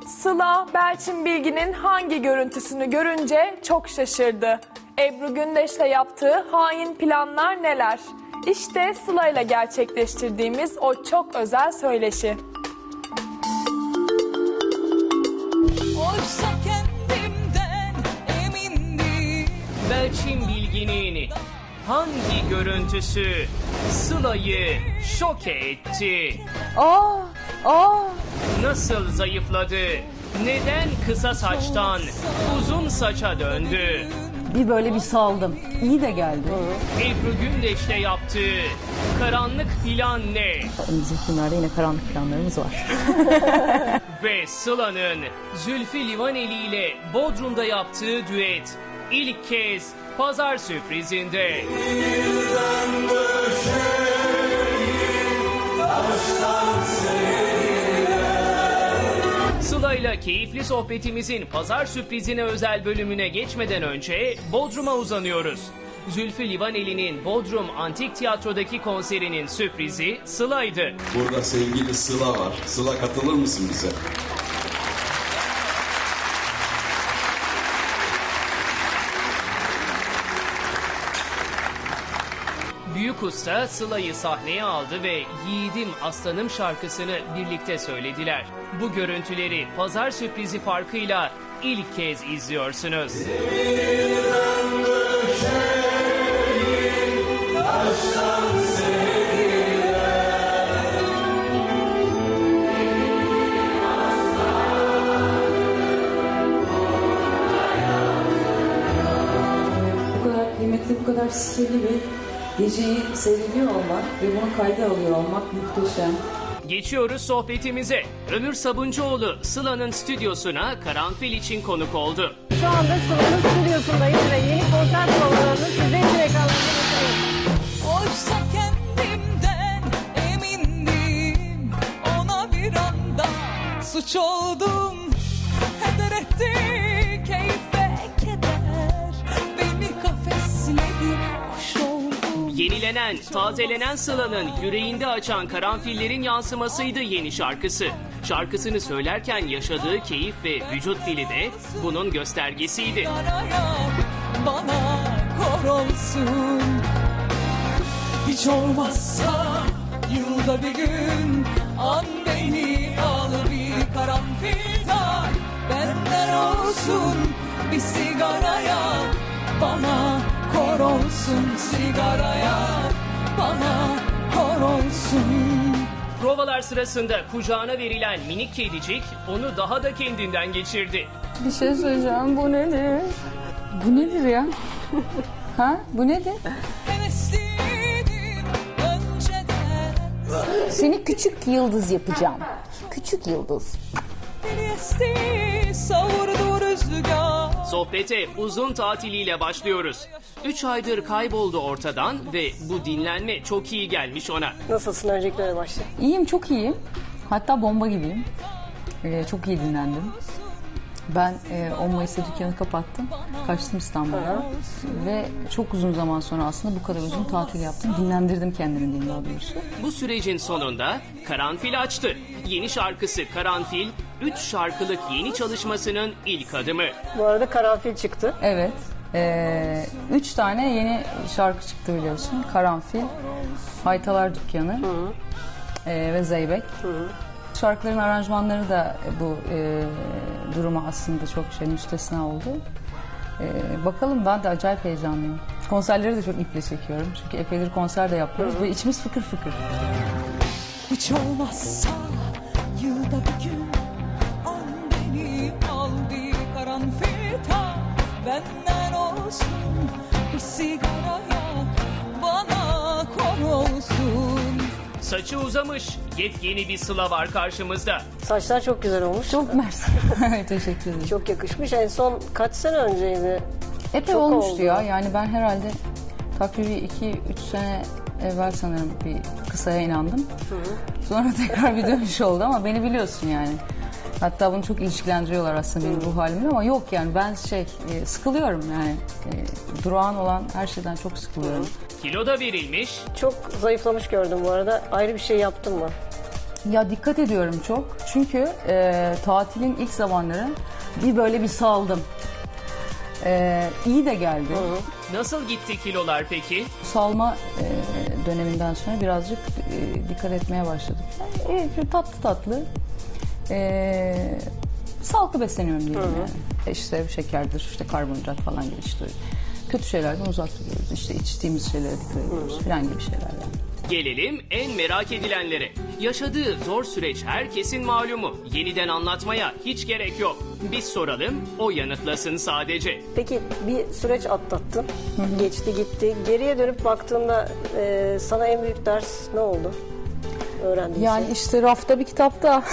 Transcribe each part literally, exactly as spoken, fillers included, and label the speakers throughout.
Speaker 1: Sıla, Belçin Bilgin'in hangi görüntüsünü görünce çok şaşırdı? Ebru Gündeş'le yaptığı hain planlar neler? İşte Sıla ile gerçekleştirdiğimiz o çok özel söyleşi.
Speaker 2: Oysa kendimden emindim.
Speaker 3: Belçin Bilgin'in hangi görüntüsü Sıla'yı şoke etti?
Speaker 4: Aa, aa.
Speaker 3: Nasıl zayıfladı? Neden kısa saçtan uzun saça döndü?
Speaker 4: Bir böyle bir saldım. İyi de geldi.
Speaker 3: Ebru Gündeş'le yaptığı karanlık plan ne?
Speaker 4: Önümüzdeki günlerde yine karanlık planlarımız var.
Speaker 3: Ve Sıla'nın Zülfü Livaneli ile Bodrum'da yaptığı düet ilk kez pazar sürprizinde. Sıla'yla keyifli sohbetimizin pazar sürprizine özel bölümüne geçmeden önce Bodrum'a uzanıyoruz. Zülfü Livaneli'nin Bodrum Antik Tiyatro'daki konserinin sürprizi Sıla'ydı.
Speaker 5: Burada sevgili Sıla var. Sıla, katılır mısın bize?
Speaker 3: Büyük usta Sıla'yı sahneye aldı ve Yiğidim Aslanım şarkısını birlikte söylediler. Bu görüntüleri pazar sürprizi farkıyla ilk kez izliyorsunuz.
Speaker 6: Bu kadar kıymetli, bu kadar sihirli bir geceyi seyrediyor olmak ve bunu kayda alıyor olmak muhteşem.
Speaker 3: Geçiyoruz sohbetimize. Ömür Sabuncuoğlu Sıla'nın stüdyosuna karanfil için konuk oldu.
Speaker 7: Şu anda Sıla'nın stüdyosundayız ve yeni konser provalarını size için ekranlarına getiriyoruz.
Speaker 2: Oysa kendimden emindim. Ona bir anda suç oldum. Heder etti keyif ve keder. Beni kafesledi, kuş oldum.
Speaker 3: Yenilenen, tazelenen Sıla'nın yüreğinde açan karanfillerin yansımasıydı yeni şarkısı. Şarkısını söylerken yaşadığı keyif ve vücut dili de bunun göstergesiydi.
Speaker 2: Araya bana kor olsun. Hiç olmazsa yılda bir gün an beni al, bir karanfil tak. Benden olsun bir sigaraya, bana kor olsun sigaraya, bana kor olsun.
Speaker 3: Provalar sırasında kucağına verilen minik kedicik onu daha da kendinden geçirdi.
Speaker 4: Bir şey söyleyeceğim. Bu nedir? Bu nedir ya? Ha? Bu nedir?
Speaker 2: Hevesliydim önceden.
Speaker 4: Seni küçük yıldız yapacağım. Küçük yıldız.
Speaker 2: Beni esti savurdu rüzgar.
Speaker 3: Sohbete uzun tatiliyle başlıyoruz. Üç aydır kayboldu ortadan ve bu dinlenme çok iyi gelmiş ona.
Speaker 7: Nasılsın öncelikle başla.
Speaker 4: İyiyim, çok iyiyim. Hatta bomba gibiyim. Ee, çok iyi dinlendim. Ben e, on Mayıs'ta dükkanı kapattım. Kaçtım İstanbul'a. Ve çok uzun zaman sonra aslında bu kadar uzun tatil yaptım. Dinlendirdim kendimi diyeyim daha doğrusu.
Speaker 3: Bu sürecin sonunda Karanfil açtı. Yeni şarkısı Karanfil, üç şarkılık yeni çalışmasının ilk adımı.
Speaker 7: Bu arada karanfil çıktı.
Speaker 4: Evet. Ee, üç tane yeni şarkı çıktı biliyorsun. Karanfil, Haytalar Dükkanı ee, ve Zeybek. Şarkıların aranjmanları da bu e, duruma aslında çok şey müstesna oldu. E, bakalım, ben de acayip heyecanlıyım. Konserleri de çok iple çekiyorum. Çünkü epeydir konser de yapıyoruz ve içimiz fıkır fıkır.
Speaker 2: Hiç olmazsa yılda bir gün an beni al, bir karanfil tak. Benden olsun bir sigaraya, bana kor olsun.
Speaker 3: Saçı uzamış, yepyeni bir Sıla var karşımızda.
Speaker 7: Saçlar çok güzel olmuş.
Speaker 4: Çok mersi. Teşekkür ederim.
Speaker 7: Çok yakışmış. En son kaç sene önceydi?
Speaker 4: Epey
Speaker 7: çok
Speaker 4: olmuştu
Speaker 7: oldu.
Speaker 4: ya. Yani ben herhalde takribi iki üç sene evvel sanırım bir kısaya inandım. Sonra tekrar bir dönüş oldu ama beni biliyorsun yani. Hatta bunu çok ilişkilendiriyorlar aslında benim ruh halimle ama yok yani ben şey e, sıkılıyorum yani. E, durağan olan her şeyden çok sıkılıyorum.
Speaker 3: Kilo da verilmiş,
Speaker 7: Çok zayıflamış gördüm bu arada. Ayrı bir şey yaptın mı?
Speaker 4: Ya dikkat ediyorum çok. Çünkü e, tatilin ilk zamanları bir böyle bir saldım. E, iyi de geldi.
Speaker 3: Nasıl gitti kilolar peki?
Speaker 4: Salma e, döneminden sonra birazcık e, dikkat etmeye başladık. Yani, e, şöyle tatlı tatlı e, sağlıklı besleniyorum diyelim yani. E, İşte şekerdir, işte karbonhidrat falan gibi işte kötü şeylerden uzak duruyoruz. İşte içtiğimiz şeylere dikkat ediyoruz falan gibi şeyler yani.
Speaker 3: Gelelim en merak edilenlere. Yaşadığı zor süreç herkesin malumu. Yeniden anlatmaya hiç gerek yok. Biz soralım, o yanıtlasın sadece.
Speaker 7: Peki bir süreç atlattın. Geçti gitti. Geriye dönüp baktığında e, sana en büyük ders ne oldu? Öğrendiğin
Speaker 4: Yani
Speaker 7: şey.
Speaker 4: işte rafta bir kitapta.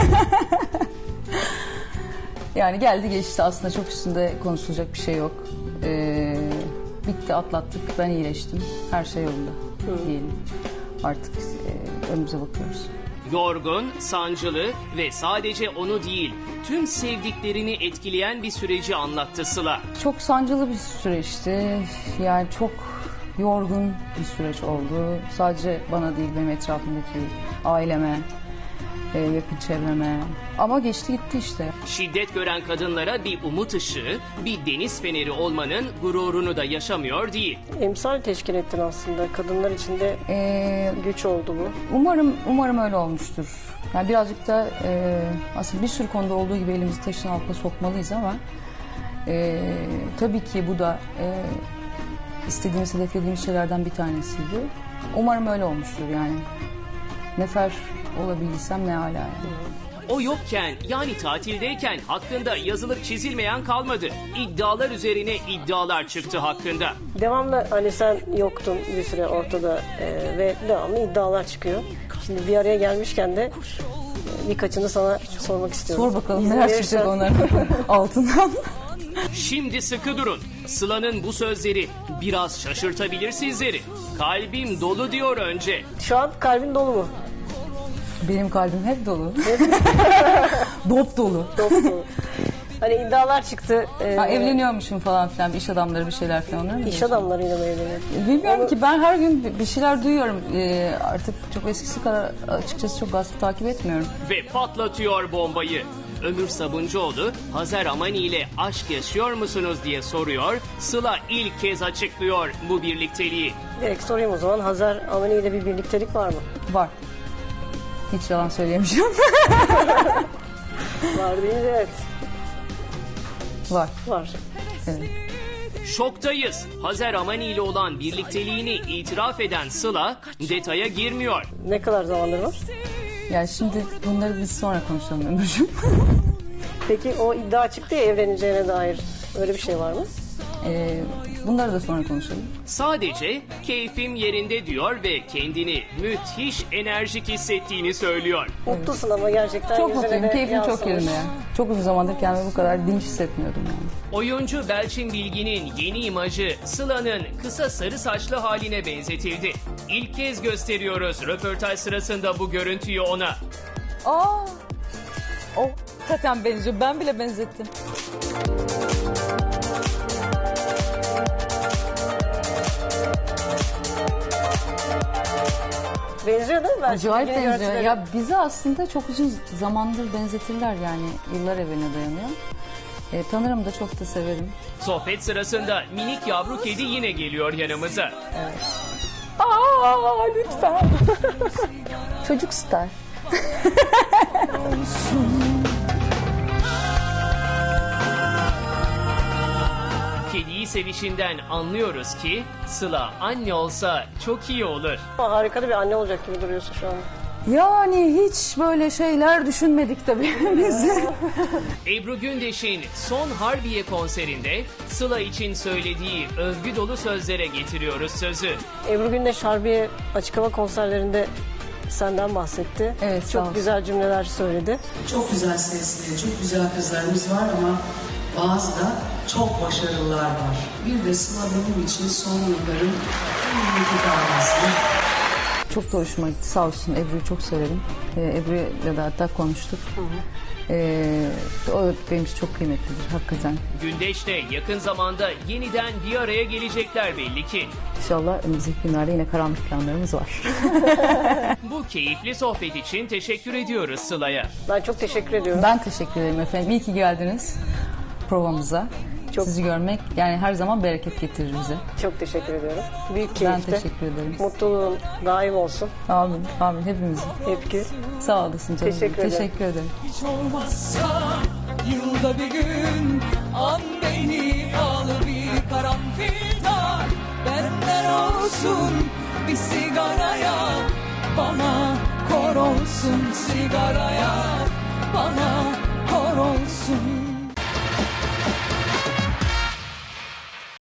Speaker 4: Yani geldi geçti, aslında çok üstünde konuşulacak bir şey yok. Ee, bitti, atlattık, ben iyileştim. Her şey yolunda diyelim. Artık e, önümüze bakıyoruz.
Speaker 3: Yorgun, sancılı ve sadece onu değil, tüm sevdiklerini etkileyen bir süreci anlattı Sıla.
Speaker 4: Çok sancılı bir süreçti. Yani çok yorgun bir süreç oldu. Sadece bana değil, benim etrafımdaki aileme, e, yakın çevreme. Ama geçti gitti işte.
Speaker 3: Şiddet gören kadınlara bir umut ışığı, bir deniz feneri olmanın gururunu da yaşamıyor değil.
Speaker 7: Emsal teşkil ettin aslında. Kadınlar içinde
Speaker 4: Ee,
Speaker 7: güç oldu bu.
Speaker 4: Umarım umarım öyle olmuştur. Yani birazcık da e, aslında bir sürü konuda olduğu gibi elimizi taşın altına sokmalıyız ama e, tabii ki bu da e, istediğimiz, hedeflediğimiz şeylerden bir tanesiydi. Umarım öyle olmuştur yani. Nefer olabilsem ne hala yani.
Speaker 3: O yokken, yani tatildeyken hakkında yazılıp çizilmeyen kalmadı. İddialar üzerine iddialar çıktı hakkında.
Speaker 7: Devamlı hani sen yoktun bir süre ortada e, ve devamlı iddialar çıkıyor. Şimdi bir araya gelmişken de e, birkaçını sana sormak istiyorum.
Speaker 4: Sor bakalım
Speaker 7: İzin
Speaker 4: neler
Speaker 7: verirsen-
Speaker 4: çıkacak onların altından.
Speaker 3: Şimdi sıkı durun. Sıla'nın bu sözleri biraz şaşırtabilir sizleri. Kalbim dolu diyor önce.
Speaker 7: Şu an kalbin dolu mu?
Speaker 4: Benim kalbim hep dolu. Dop dolu.
Speaker 7: Dolu dolu. Hani iddialar çıktı. e,
Speaker 4: Ha, evleniyormuşum falan filan, bir iş adamları bir şeyler falan, öyle mi
Speaker 7: İş
Speaker 4: diyorsun?
Speaker 7: adamlarıyla mı evleniyor?
Speaker 4: Bilmiyorum ki, ben her gün bir şeyler duyuyorum. Ee, artık çok eskisi kadar açıkçası çok gazete takip etmiyorum.
Speaker 3: Ve patlatıyor bombayı. Ömür Sabuncuoğlu, Hazer Amani ile aşk yaşıyor musunuz diye soruyor. Sıla ilk kez açıklıyor bu birlikteliği.
Speaker 7: Direkt sorayım o zaman. Hazer Amani ile bir birliktelik var mı?
Speaker 4: Var. Hiç yalan söyleyemeyeceğim.
Speaker 7: Var değil mi? Evet.
Speaker 4: Var.
Speaker 7: Var.
Speaker 4: Evet.
Speaker 3: Şoktayız. Hazer Amani ile olan birlikteliğini itiraf eden Sıla detaya girmiyor.
Speaker 7: Ne kadar zamandır var?
Speaker 4: Yani şimdi bunları biz sonra konuşalım Ömürcüğüm.
Speaker 7: Peki o iddia çıktı ya evleneceğine dair. Öyle bir şey var mı?
Speaker 4: Ee, bunları da sonra konuşalım.
Speaker 3: Sadece keyfim yerinde diyor ve kendini müthiş enerjik hissettiğini söylüyor.
Speaker 7: Mutlusun ama gerçekten
Speaker 4: Çok
Speaker 7: yüzüne
Speaker 4: mutluyum.
Speaker 7: de
Speaker 4: Keyfim çok
Speaker 7: yansımış.
Speaker 4: yerinde yani. Çok uzun zamandır kendimi bu kadar dinç hissetmiyordum yani.
Speaker 3: Oyuncu Belçin Bilgin'in yeni imajı Sıla'nın kısa sarı saçlı haline benzetildi. İlk kez gösteriyoruz röportaj sırasında bu görüntüyü ona.
Speaker 4: Aa! O hakikaten benziyor. Ben bile benzettim.
Speaker 7: Benziyor değil mi? Ben
Speaker 4: Acayip
Speaker 7: şimdi
Speaker 4: benziyor.
Speaker 7: görüntüleri-
Speaker 4: Ya bizi aslında çok uzun zamandır benzetirler yani. Yıllar evveline dayanıyor. E, tanırım da çok da severim.
Speaker 3: Sohbet sırasında minik yavru kedi yine geliyor yanımıza.
Speaker 4: Aa lütfen. Çocuk star.
Speaker 3: Kediyi sevişinden anlıyoruz ki Sıla anne olsa çok iyi olur.
Speaker 7: Ama harika da bir anne olacak gibi duruyorsun şu an.
Speaker 4: Yani hiç böyle şeyler düşünmedik tabii biz.
Speaker 3: Ebru Gündeş'in son Harbiye konserinde Sıla için söylediği övgü dolu sözlere getiriyoruz sözü.
Speaker 7: Ebru Gündeş Harbiye açık hava konserlerinde senden bahsetti.
Speaker 4: Evet, sağ
Speaker 7: Çok
Speaker 4: olsun.
Speaker 7: güzel cümleler söyledi.
Speaker 8: Çok güzel sesli, çok güzel kızlarımız var ama bazı da çok başarılılar var. Bir de Sıla benim için son yılların en iyi gitarcısı.
Speaker 4: Çok da hoşuma gitti, sağ olsun. Ebru'yu çok severim. Ee, Ebru'yla da hatta konuştuk. Ee, o benim için çok kıymetlidir hakikaten.
Speaker 3: Gündeş'te yakın zamanda yeniden bir araya gelecekler belli ki.
Speaker 4: İnşallah önümüzdeki günlerde yine karanlık planlarımız var.
Speaker 3: Bu keyifli sohbet için teşekkür ediyoruz Sıla'ya.
Speaker 7: Ben çok teşekkür ediyorum.
Speaker 4: Ben teşekkür ederim efendim. İyi ki geldiniz provamıza.
Speaker 7: Çok-
Speaker 4: Sizi görmek yani her zaman bereket getirir bize.
Speaker 7: Çok teşekkür ediyorum. Büyük
Speaker 4: Ben
Speaker 7: keyifti.
Speaker 4: teşekkür ederim.
Speaker 7: Mutluluğun daim olsun.
Speaker 4: Amin, amin hepimizin.
Speaker 7: Hep gül.
Speaker 4: Sağ olasın canım.
Speaker 7: Teşekkür ederim.
Speaker 4: Teşekkür ederim.
Speaker 2: Hiç olmazsa yılda bir gün an beni al bir karanfil tak. Benden olsun bir sigaraya, bana kor olsun sigaraya, bana kor olsun.